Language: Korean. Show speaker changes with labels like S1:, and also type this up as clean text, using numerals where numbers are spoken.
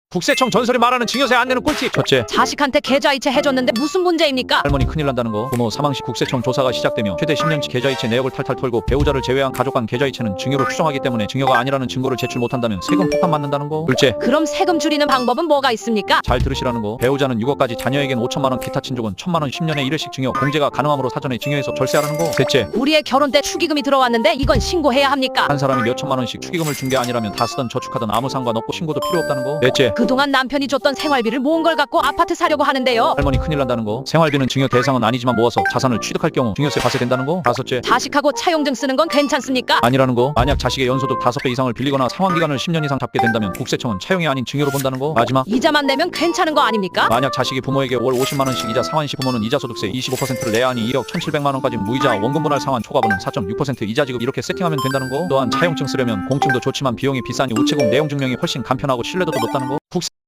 S1: 국세청 전설이 말하는 증여세 안 내는 꿀팁. 첫째,
S2: 자식한테 계좌이체 해줬는데 무슨 문제입니까?
S1: 할머니 큰일 난다는 거. 부모 사망 시 국세청 조사가 시작되며 최대 10년치 계좌이체 내역을 탈탈 털고 배우자를 제외한 가족 간 계좌이체는 증여로 추정하기 때문에 증여가 아니라는 증거를 제출 못한다면 세금 폭탄 맞는다는 거. 둘째,
S2: 그럼 세금 줄이는 방법은 뭐가 있습니까?
S1: 잘 들으시라는 거. 배우자는 6억까지 자녀에겐 5천만 원, 기타 친족은 1천만 원 10년에 1회씩 증여 공제가 가능하므로 사전에 증여해서 절세하라는 거. 셋째,
S2: 우리의 결혼 때 축의금이 들어왔는데 이건 신고해야 합니까?
S1: 한 사람이 몇 천만 원씩 축의금을 준 게 아니라면 다 쓰던 저축하던 아무 상관없고 신고도 필요 없다는 거. 넷째,
S2: 그동안 남편이 줬던 생활비를 모은 걸 갖고 아파트 사려고 하는데요.
S1: 할머니 큰일 난다는 거. 생활비는 증여 대상은 아니지만 모아서 자산을 취득할 경우 증여세 과세된다는 거. 다섯째,
S2: 자식하고 차용증 쓰는 건 괜찮습니까?
S1: 아니라는 거. 만약 자식의 연소득 5배 이상을 빌리거나 상환기간을 10년 이상 잡게 된다면 국세청은 차용이 아닌 증여로 본다는 거. 마지막,
S2: 이자만 내면 괜찮은 거 아닙니까?
S1: 만약 자식이 부모에게 월 50만 원씩 이자 상환 시 부모는 이자소득세 25%를 내야 하니 1억 1,700만 원까지 무이자 원금 분할 상환 초과분은 4.6% 이자 지급 이렇게 세팅하면 된다는 거. 또한 차용증 쓰려면 공증도 좋지만 비용이 비싸니 우체국 내용 증명이 훨씬 간편하고 신뢰도도 높다는 거. 국세